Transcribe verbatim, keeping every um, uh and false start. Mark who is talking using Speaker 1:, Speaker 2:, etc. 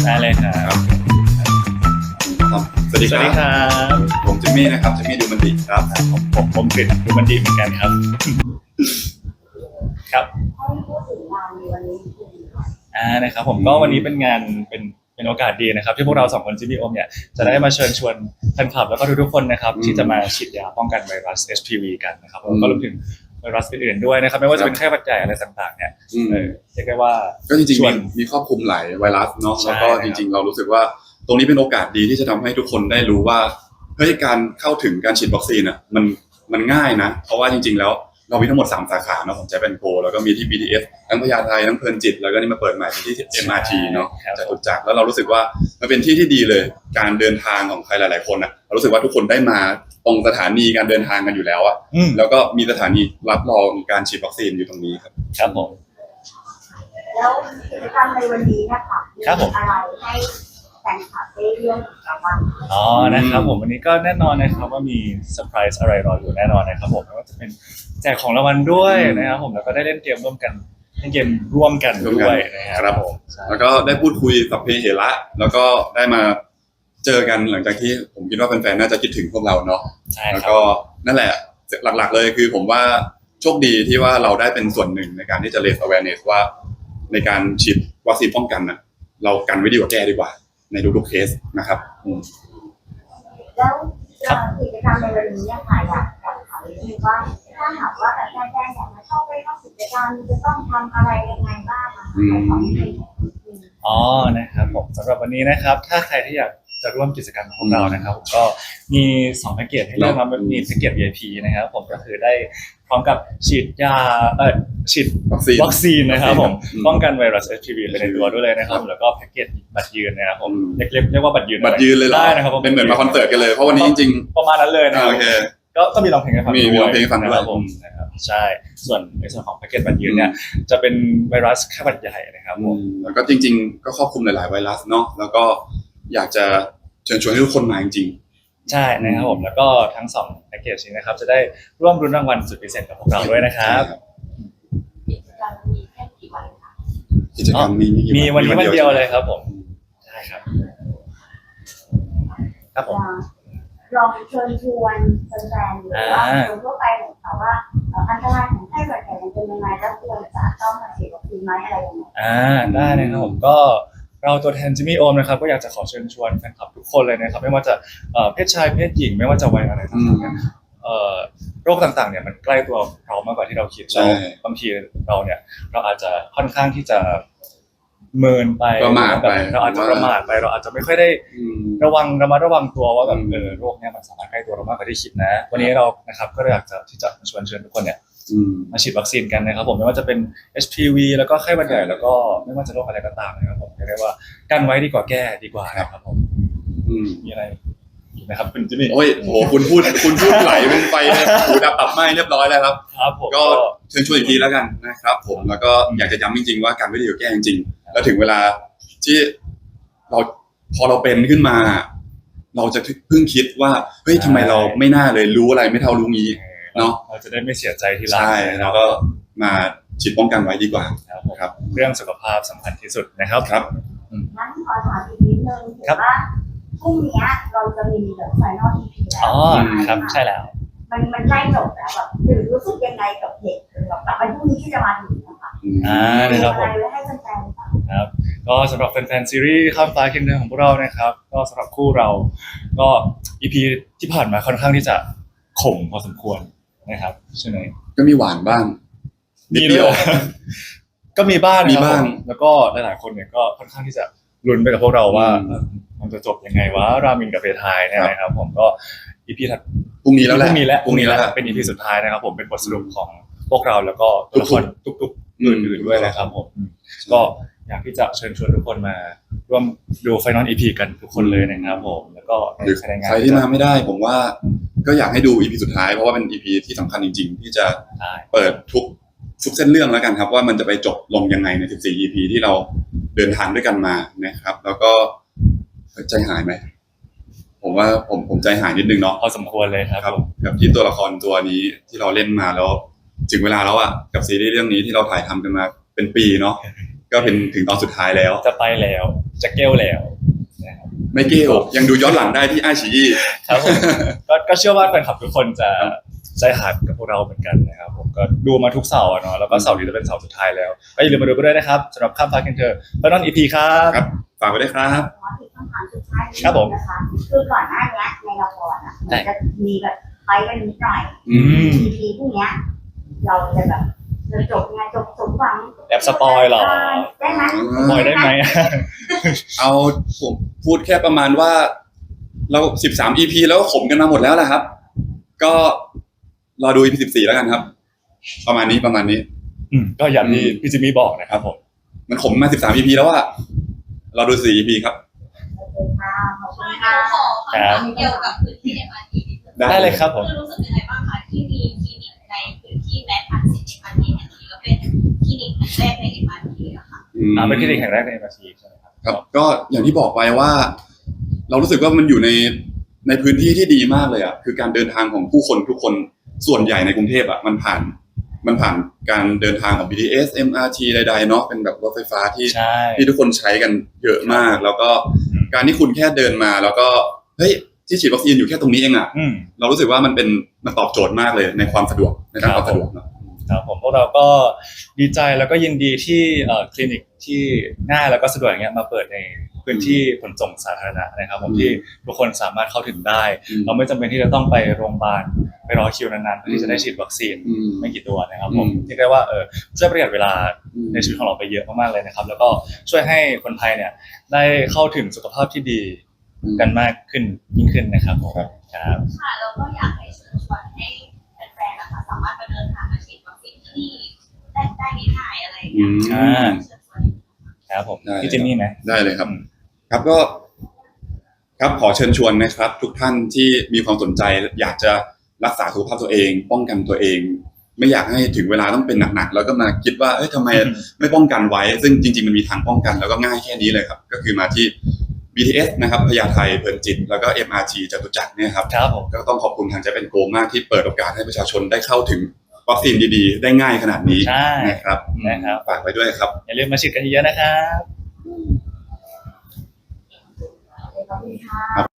Speaker 1: ได้เลยครับ
Speaker 2: สวัสดีครับผมจิมมี่นะครับจิมมี่ดูมันดีครับ
Speaker 1: ผมผมผมกฤษดูมันดีเหมือนกันครับครับอ่านะครับผมก็วันนี้เป็นงานเป็นเป็นโอกาสดีนะครับที่พวกเราสองคนจิมมี่โอมเนี่ยจะได้มาเชิญชวนแฟนคลับแล้วก็ทุกๆคนนะครับที่จะมาฉีดยาป้องกันไวรัส เอช พี วี กันนะครับแล้วก็รวมถึงไวรัสอื่นๆด้วยนะครับไม่ว่าจะเป็นไข้หวัดใหญ่อะไรต่างๆเนี่ยเออเรียกได้ว่า
Speaker 2: ก็จริงๆมีครอบคลุมหลายไวรัสเนาะแล้วก็จริงๆเรารู้สึกว่าตรงนี้เป็นโอกาสดีที่จะทำให้ทุกคนได้รู้ว่าเฮ้ยการเข้าถึงการฉีดวัคซีนอ่ะมันมันง่ายนะเพราะว่าจริงๆแล้วเรามีทั้งหมดสามสาขาเนาะของใจเป็นโกแล้วก็มีที่ บี ที เอส ทั้งพญาไททั้งเพลินจิตแล้วก็นี่มาเปิดใหม่ที่ เอ็ม อาร์ ที เนาะจตุจักรแล้วเรารู้สึกว่ามันเป็นที่ที่ดีเลยการเดินทางของใครหลายๆคนอ่ะเรารู้สึกว่าทุกคนได้มาตรงสถานีการเดินทางกันอยู่แล้วอ่ะแล้วก็มีสถานีรับรองการฉีดวัคซีนอยู่ตรงนี้ครับ
Speaker 1: ครับผม
Speaker 3: แล้วกิจกรรมในวันนี้นะคะมีอะไรให้แฟนคลับได้เรื่องกับบ้าง
Speaker 1: อ๋อนะครับผมวันนี้ก็แน่นอนนะครับว่ามีเซอร์ไพรส์อะไรรออยู่แน่นอนนะครับผมไม่ว่าจะเป็นแจกของรางวัลด้วยนะครับผมแล้วก็ได้เล่นเกมร่วมกันเล่นเกมร่วมกันด้วยนะครับผม
Speaker 2: แล้วก็ได้พูดคุยสัพเพเหระแล้วก็ได้มาเจอกันหลังจากที่ผมคิดว่าแฟนๆน่าจะคิดถึงพวกเราเนาะแล้วก็นั่นแหละหลักๆเลยคือผมว่าโชคดีที่ว่าเราได้เป็นส่วนหนึ่งในการที่จะ raise awareness ว่าในการฉีดวัคซีนป้องกันนะเรากันไว้ดีกว่าแก้ดีกว่าในทุกๆเคสนะครับ
Speaker 3: แล้วกิจกรรมในวันนี้ค่ะอยากอยากถามนิดนึงว่าถ้าหากว่าแฟนๆอยากมาเข้าไปร่วมกิจกรรมจะต้องทำอะไรยังไงบ้างคะ
Speaker 1: อ๋อนะครับผมสำหรับวันนี้นะครับถ้าใครที่อยากจะร่วมกิจกรรมของเรานะครับผมก็มีสองแพ็กเกจให้เลือกมามีแพ็กเกจ วี ไอ พี นะครับผมก็คือได้พร้อมกับฉีดยาเอ่อฉีดวัคซีนนะครับผมป้องกันไวรัส เอช พี วี ไปในตัวด้วยเลยนะครับแล้วก็แพ็กเกจบัตรยืนนะครับผมเรียกเรียกว่าบัตรยืน
Speaker 2: บัตรยืนเลย
Speaker 1: ได้นะครับ
Speaker 2: เป็นเหมือนมาคอนเสิร์ตกันเลยเพราะวันนี้จริง
Speaker 1: ๆประมาณนั้นเลยนะครับก็ก็มีร้องเพลงให้ฟัง
Speaker 2: มีร้องเพลงให้ฟังด้วย
Speaker 1: ผมนะครับใช่ส่วนในส่วนของแพ็กเกจบัตรยืนเนี่ยจะเป็นไวรัสไข้หวัดใหญ่นะครับผม
Speaker 2: แล้วก็จริงๆก็ครอบคลุมหลายๆไวรัสเนาะแล้วก็อยากจะเชิญชวนให้ทุกคนมาจริง
Speaker 1: ๆใช่นะครับผมแล้วก็ทั้งสองแพ็กเกจนี้นะครับจะได้ร่วมรุ้นรางวัลสุดพิเศษกับพวกเราด้วยนะครับ
Speaker 3: กิจกรรมมีแค่กี่วันคะ
Speaker 2: กิจกรรมมี
Speaker 1: มีวันนี้วันเดียวเลยครับผมใช่ครับครับผม
Speaker 3: ลองเชิญชวนแฟนๆหรือว่าคนทั่วไปของเขาว่าอันตรายของไข้หวัดใหญ่เป็นยังไงแล้วควรจะต้องมาฉีดวัคซีนไหมอะไรยังไง
Speaker 1: อ่าได้นะครับผมก็เราตัวแทนจิมมี่โอมนะครับก็อยากจะขอเชิญชวนแฟนคลับทุกคนเลยนะครับไม่ว่าจะเพศชายเพศหญิงไม่ว่าจะวัยอะไรต่างๆโรคต่างๆเนี่ยมันใกล้ตัวเรามากกว่าที่เราคิดแล้วบางทีเราเนี่ยเราอาจจะค่อนข้างที่จะเมินไป
Speaker 2: ประมาทไป
Speaker 1: เราอาจจะประมาทไปเราอาจจะไม่ค่อยได้ระวังระมัดระวังตัวว่าแบบเออโรคเนี่ยมันสามารถใกล้ตัวเรามากกว่าที่คิดนะวันนี้เรานะครับก็อยากจะที่จะชวนเชิญทุกคนเนี่ยมาฉีดวัคซีนกันนะครับผมไม่ว่าจะเป็น เอช พี วี แล้วก็ไข้หวัดใหญ่แล้วก็ไม่ว่าจะโรคอะไรก็ตามนะครับผมเรียกว่ากันไว้ดีกว่าแก้ดีกว่าครับผมมีอะไรอีกนะครับคุณจิมมี่
Speaker 2: โอ้ยโหคุณพูดคุณพูดไหลเป็นไฟเลยหูดับตับไหม้เรียบร้อยแล้วครับ
Speaker 1: ครับผม
Speaker 2: ก็เชิญชวนอีกทีแล้วกันนะครับผมแล้วก็อยากจะย้ำจริงๆว่ากันไว้ดีกว่าแก้จริงๆแล้วถึงเวลาที่เราพอเราเป็นขึ้นมาเราจะเพิ่งคิดว่าเฮ้ยทำไมเราไม่น่าเลยรู้อะไรไม่เท่ารู้งี้เนาะ
Speaker 1: เราจะได้ไม่เสียใจทีหลัง
Speaker 2: ใช่แล้วก็มาฉีดป้องกันไว้ดีกว่า
Speaker 1: ครับเรื่องสุขภาพสำคัญที่สุดนะครับ
Speaker 2: ครับ
Speaker 3: งั้นขอถามอีกนิดนึงถือว่าพรุ่งนี้เราจะมีแบบไฟนอล อี พี แล้ว
Speaker 1: อ๋อครับใช่แล้ว
Speaker 3: มันมันใกล้จบแล้วแบบหรือรู้สึกยังไงกับเหตุแบบกับวันพรุ่งนี้ที่จะมาถึงนะคะ
Speaker 1: อ่านะครับผม
Speaker 3: อะไรไว้ให้แฟนๆ
Speaker 1: ครับก็สำหรับแฟนๆซีรีส์ข้ามฟ้าเคียงเดินของพวกเรานะครับก็สำหรับคู่เราก็ อี พี ที่ผ่านมาค่อนข้างที่จะขมพอสมควรนะครับใช่ไหม
Speaker 2: ก็มีหวานบ้าง
Speaker 1: นิดเดียวก็มีบ้างมีบ้างแล้วก็หลายๆคนเนี่ยก็ค่อนข้างที่จะลุ้นไปกับพวกเราว่ามันจะจบยังไงวะรามินกับเพทายเนี่ยนะครับผมก็ อี พี ถัด
Speaker 2: พรุ่งนี้แล้วแหละ
Speaker 1: พรุ่งนี้แล้วพรุ่งนี้แล้วเป็น อี พี สุดท้ายนะครับผมเป็นบทสรุปของพวกเราแล้วก็ตัวละครทุกๆอื่นๆด้วยนะครับผมก็อยากที่จะเชิญชวนทุกคนมาร่วมดูไฟนอล อี พี กันทุกคนเลยนะครับผมแล้วก็
Speaker 2: ใครที่มาไม่ได้ผมว่าก็อยากให้ดู อี พี สุดท้ายเพราะว่าเป็น อี พี ที่สำคัญจริงๆที่จะเปิดทุกทุกเส้นเรื่องแล้วกันครับว่ามันจะไปจบลงยังไงในสิบสี่ อี พี ที่เราเดินทางด้วยกันมานะครับแล้วก็ใจหายไหมผมว่าผมผมใจหายนิดนึงเนาะ
Speaker 1: พอสมควรเลยครับ
Speaker 2: กับที่ตัวละครตัวนี้ที่เราเล่นมาแล้วถึงเวลาแล้วอ่ะกับซีรีส์เรื่องนี้ที่เราถ่ายทำกันมาเป็นปีเนาะกก็เป็นถึงตอนสุดท้ายแล้ว
Speaker 1: จะไปแล้วจะเกลแล้วนะครับ
Speaker 2: ไม่เกี่ยวยังดูย้อนหลังได้ที่ไอชีอี
Speaker 1: ครับผม ก็ก็เชื่อว่าแฟนคลับทุกคนจะใจหายกับพวกเราเหมือนกันนะครับผมก็ดูมาทุกเสาร์อะเนาะแล้วก็เสาร์นี้จะเป็นเสาร์สุดท้ายแล้วก็อย่าลืมมาดูกันด้วยนะครับสำหรับข้ามฟ้าเคนเธอเฟิร์นออนอีพีครับ
Speaker 2: ครับฝากไว้ด้วยครับ
Speaker 3: ขอถึงคำถามสุดท้ายนิด
Speaker 1: ครับผ
Speaker 3: นึ
Speaker 1: ม
Speaker 3: งนะคะคือก่อนหน้านี้ในละครอ่ะมันจะมีแบบไปกันนิดหน่อย
Speaker 1: อืม
Speaker 3: ทีทีพวกเนี้ยเราจะแบบจะจบไงจบสมหวัง
Speaker 1: แอบสปอยเหรอ
Speaker 3: ได้ไหม
Speaker 1: บอยได้ไหม
Speaker 2: เอาผมพูดแค่ประมาณว่า เราสิบสาม อี พี แล้วก็ขมกันมาหมดแล้วแหละครับ ก็รอดู อี พี สิบสี่แล้วกันครับ ประมาณนี้ประมาณนี้
Speaker 1: อืมก็อย่างที่พี่จิมมี่บอกนะครับผม
Speaker 2: มันขมมาสิบสาม อี พี แล้วว่าเราดูสี่ อี พี ครับ
Speaker 3: โอเคค่ะขอบคุณ
Speaker 4: ข
Speaker 3: ค่ะ
Speaker 4: อคำถามเกี่ยวกับพื้นที่ เอ็ม อาร์ ที นิดนึง
Speaker 1: ได้เลยครับผม
Speaker 4: คือรู้สึกยังไงบ้างคะที่มีคลินิกในพื้นที่แม้ทันสิทธิ์ เอ็ม อาร์ ที แห่งนี้แล้วเป็นคลินิกแรกใน เอ็ม อาร์ ที อะค่ะ
Speaker 1: อ่าเป็นคลินิกแห่งแรกในเอ็มอาร์ทีใช่ไหมครับ
Speaker 2: ครับก็อย่างที่บอกไปว่า เรารู้สึกว่ามันอยู่ในในพื้นที่ที่ดีมากเลยอ่ะคือการเดินทางของผู้คนทุกคนส่วนใหญ่ในกรุงเทพอ่ะมันผ่านมันผ่านการเดินทางของ บี ที เอส เอ็ม อาร์ ที ใดๆเนาะเป็นแบบรถไฟฟ้าที่
Speaker 1: ใช่
Speaker 2: ที่ทุกคนใช้กันเยอะมาก แล้วก็การที่คุณแค่เดินมาแล้วก็เฮ้ยที่ฉีดวัคซีนอยู่แค่ตรงนี้เองอ่ะ
Speaker 1: อืม
Speaker 2: เรารู้สึกว่ามันเป็นมันตอบโจทย์มากเลยในความสะดวกในด้านความสะดวกเนาะ
Speaker 1: ครับผมพวกเราก็ดีใจแล้วก็ยินดีที่เอ่อคลินิกที่ง่ายแล้วก็สะดวกอย่างเงี้ยมาเปิดในพื้นที่ขนส่งสาธารณะนะครับผม
Speaker 2: อืม
Speaker 1: ที่ทุกคนสามารถเข้าถึงได้
Speaker 2: อืม
Speaker 1: เราไม่จำเป็นที่จะต้องไปโรงพยาบาลไปรอคิวนานๆเพื่อที่จะได้ฉีดวัคซีน
Speaker 2: อืม
Speaker 1: ไม่กี่ตัวนะครับผม
Speaker 2: อืม
Speaker 1: ที่เรียกว่าเออช่วยประหยัดเวลา
Speaker 2: อืม
Speaker 1: ในชีวิตของเราไปเยอะมากๆเลยนะครับ แล้วก็ช่วยให้คนไทยเนี่ยได้เข้าถึงสุขภาพที่ดีกันมากขึ้นยิ่งขึ้นนะครับผม
Speaker 2: ครับ
Speaker 1: ครับ
Speaker 4: ค่ะแล้วก็อยากให้เชิญชวนให้แฟนๆนะคะสามารถมาเดินทางมาฉีดวัคซีนที่นี่ได้ได้ง่ายๆอะไรอย่างเงี้ย
Speaker 1: อ่า
Speaker 4: เชิญชวน
Speaker 1: ครับผม
Speaker 2: ได้
Speaker 1: พี่จิมมี่ไหม
Speaker 2: ได้เลยครับ
Speaker 1: อืม
Speaker 2: ครับก็ครับขอเชิญชวนนะครับ ทุกท่านที่มีความสนใจ อยากจะรักษาสุขภาพตัวเอง ป้องกันตัวเอง ไม่อยากให้ถึงเวลาต้องเป็นหนักๆแล้วก็มาคิดว่าเอ้ยทำไมไม่ป้องกันไว้ ซึ่งจริงๆมันมีทางป้องกันแล้วก็ง่ายแค่นี้เลยครับ ก็คือมาที่ บี ที เอส นะครับพญาไทเพลินจิตแล้วก็ เอ็ม อาร์ ที จตุจักรเนี่ยครับ
Speaker 1: ครับผม
Speaker 2: ก็ต้องขอบคุณทางใจเป็นโกมากที่เปิดโอกาสให้ประชาชนได้เข้าถึงวัคซีนดีๆ ได้ง่ายขนาดนี้
Speaker 1: ใช่
Speaker 2: นะครับ
Speaker 1: นะครับ
Speaker 2: ฝากไว้ด้วยครับ
Speaker 1: อย่าลืมมาฉีดกันเยอะๆนะครับ
Speaker 3: ขอบคุณค่ะ